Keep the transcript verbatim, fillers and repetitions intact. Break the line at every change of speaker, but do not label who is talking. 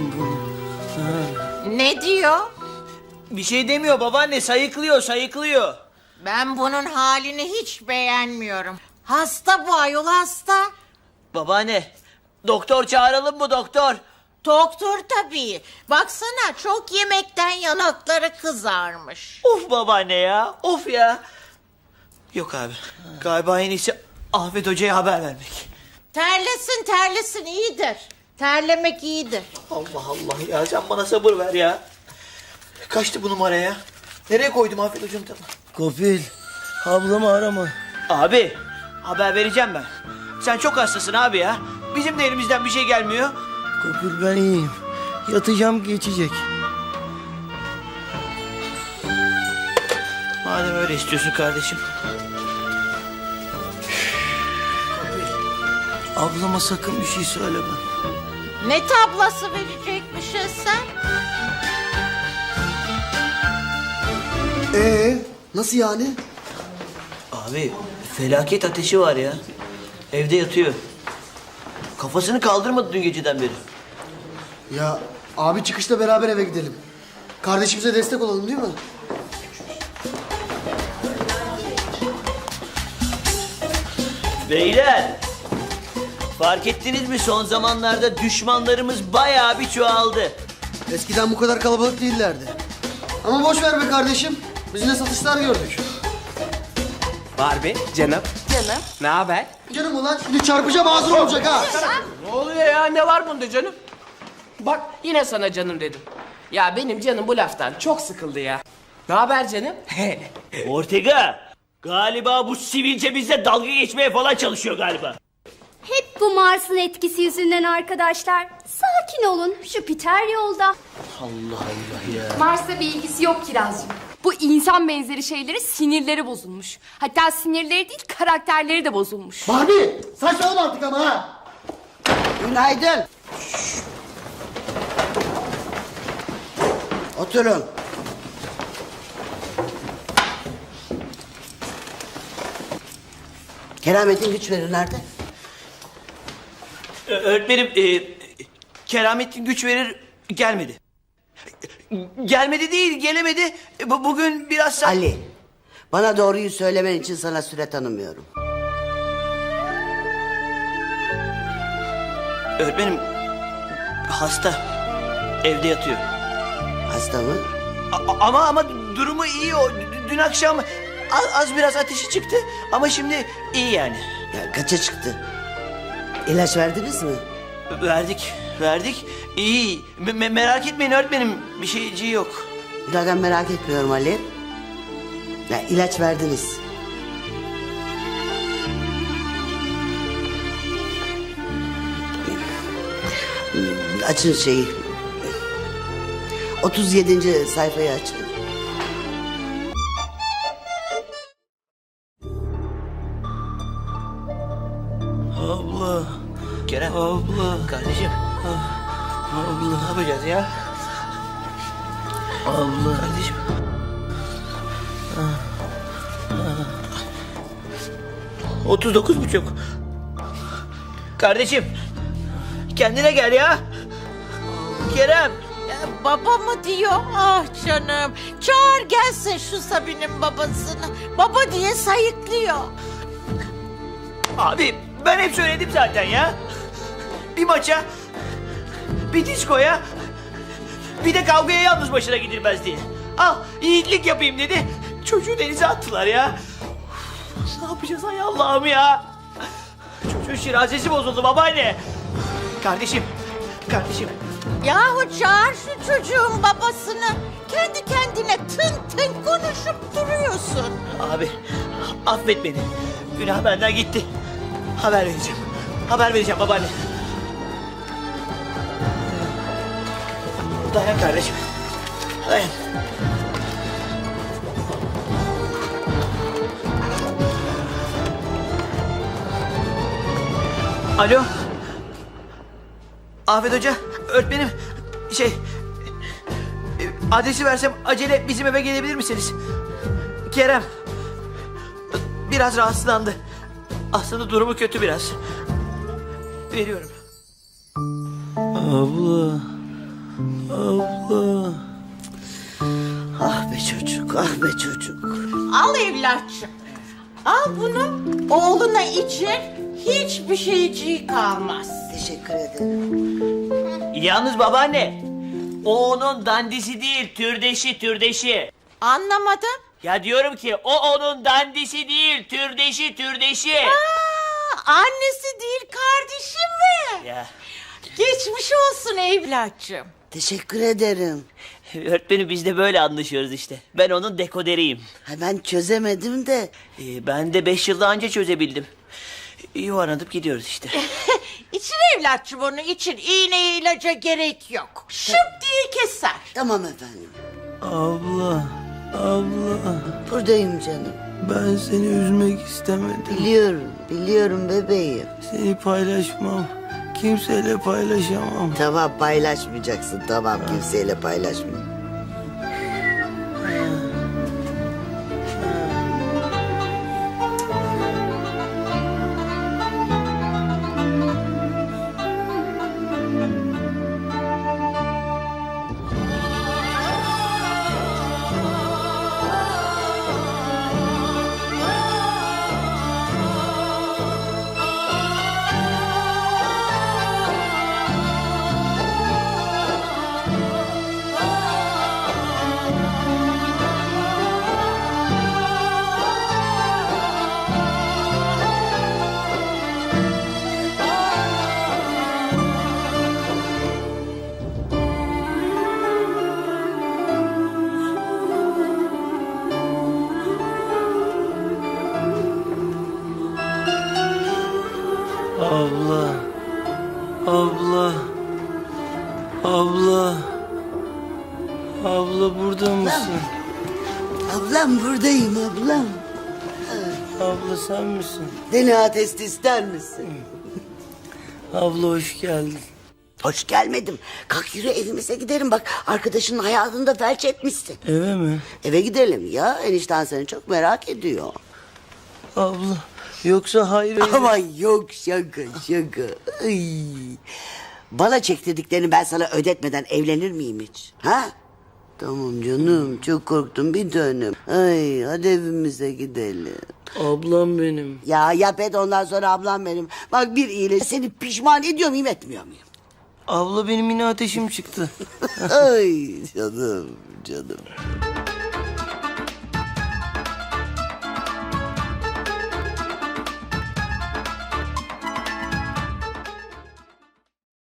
bunu.
Ne diyor?
Bir şey demiyor babaanne, sayıklıyor sayıklıyor.
Ben bunun halini hiç beğenmiyorum. Hasta bu ayol, hasta.
Babaanne, doktor çağıralım mı doktor?
Doktor tabii. Baksana, çok yemekten yanakları kızarmış.
Of babaanne ya, of ya. Yok abi, galiba en iyisi Ahmet Hoca'ya haber vermek.
Terlesin terlesin, iyidir. Terlemek iyidir.
Allah Allah ya, sen bana sabır ver ya. Kaçtı bu numara ya? Nereye koydum Ahmet Hoca'nın tabi?
Kopil, ablamı arama.
Abi, haber vereceğim ben. Sen çok hastasın abi ya. Bizim de elimizden bir şey gelmiyor.
Kopil, ben iyiyim. Yatacağım, geçecek.
Madem öyle istiyorsun kardeşim.
Ablama sakın bir şey söyleme.
Ne tablası verecekmişsin sen?
Ee, nasıl yani?
Abi, felaket ateşi var ya. Evde yatıyor. Kafasını kaldırmadı dün geceden beri.
Ya abi çıkışta beraber eve gidelim. Kardeşimize destek olalım değil mi?
Beyler, fark ettiniz mi son zamanlarda düşmanlarımız bayağı bir çoğaldı.
Eskiden bu kadar kalabalık değillerdi. Ama boş ver be kardeşim. Biz ne satışlar gördük.
Barbie, canım.
Canım.
Ne haber?
Canım ulan şimdi çarpacağım ağzın olacak ha.
Ne oluyor ya? Ne var bunda canım? Bak yine sana canım dedim. Ya benim canım bu laftan çok sıkıldı ya. Ne haber canım?
Ortega, galiba bu sivilce bizle dalga geçmeye falan çalışıyor galiba.
Hep bu Mars'ın etkisi yüzünden arkadaşlar. Sakin olun, Jüpiter yolda.
Allah Allah ya.
Mars'la bir ilgisi yok Kirazcığım. Bu insan benzeri şeyleri sinirleri bozulmuş. Hatta sinirleri değil, karakterleri de bozulmuş.
Barbie saçmalama artık ama ha.
Günaydın. Oturun. Kerametin güç verir nerede?
Ö- Öğretmenim, e, Keramettin güç verir gelmedi. Gelmedi değil, gelemedi. E, bu- Bugün biraz... sa-
Ali, bana doğruyu söylemen için sana süre tanımıyorum.
Öğretmenim, hasta. Evde yatıyor.
Hasta mı?
A- ama ama durumu iyi o. D- Dün akşam az, az biraz ateşi çıktı ama şimdi iyi yani.
Ya kaça çıktı? İlaç verdiniz mi?
Verdik, verdik. İyi. Me- me- merak etmeyin öğretmenim. Bir şeyciği yok.
Zaten merak etmiyorum Ali. Ya ilaç verdiniz. Açın şeyi. otuz yedinci sayfayı açın.
Abla,
Kerem.
abla,
Kardeşim.
abla,
Ne yapacağız ya?
abla.
Kardeşim. Otuz dokuz buçuk. Kardeşim. Kendine gel ya. Kerem.
Ya, baba mı diyor? Ah canım. Çağır gelsin şu Sabi'nin babasını. Baba diye sayıklıyor.
Abi ben hep söyledim zaten ya. Bir maça, bir diskoya, bir de kavgaya yalnız başına gidilmez diye. Al yiğitlik yapayım dedi. Çocuğu denize attılar ya. Ne yapacağız ay Allah'ım ya. Çocuğun şirazesi bozuldu babaanne. Kardeşim, kardeşim.
Yahu çağır şu çocuğun babasını. Kendi kendine tın tın konuşup duruyorsun.
Abi affet beni. Günah benden gitti. Haber vereceğim. Haber vereceğim babaanne. Dayan kardeşim. Dayan. Alo. Afet Hoca, öğretmenim. Şey... e, Adresi versem acele bizim eve gelebilir misiniz? Kerem. Biraz rahatsızlandı. Aslında durumu kötü biraz. Veriyorum.
Abla, Abla.
Ah be çocuk, ah be çocuk.
Al evlatçım. Al bunu. Oğluna içir. Hiçbir şeyciği kalmaz.
Teşekkür ederim.
Yalnız babaanne, o onun dandisi değil, türdeşi, türdeşi.
Anlamadım.
Ya diyorum ki o onun dandisi değil, türdeşi, türdeşi.
Aa, annesi değil kardeşi mi?
Ya
Geçmiş olsun evlatçım.
Teşekkür ederim.
öğretmenim biz de böyle anlaşıyoruz işte. Ben onun dekoderiyim.
Ha, ben çözemedim de.
Ee, ben de beş yılda anca çözebildim. Yuvarlanıp gidiyoruz işte.
İçin evlatçım onu için. İğneye ilaca gerek yok. Şıp diye keser.
Tamam efendim.
Abla. Abla.
Buradayım canım.
Ben seni üzmek istemedim.
Biliyorum, biliyorum bebeğim.
Seni paylaşmam. Kimseyle paylaşamam.
Tamam paylaşmayacaksın, tamam kimseyle paylaşma.
Abla. Abla. Abla. Abla burada mısın?
Ablam buradayım ablam.
Abla sen misin?
D N A testi ister misin?
Abla hoş geldin.
Hoş gelmedim. Kalk yürü evimize gidelim bak. Arkadaşının hayatını da felç etmişsin.
Eve mi?
Eve gidelim ya. Enişten seni çok merak ediyor.
Abla. Yoksa hayır.
Aman yok şaka şaka. Ay. Bana çektirdiklerini ben sana ödetmeden evlenir miyim hiç? Ha? Tamam canım çok korktum bir dönüm. Ay hadi evimize gidelim.
Ablam benim.
Ya yap et ondan sonra ablam benim. Bak bir iyileş seni pişman ediyor muyum etmiyor muyum?
Abla benim yine ateşim çıktı.
Ay canım canım.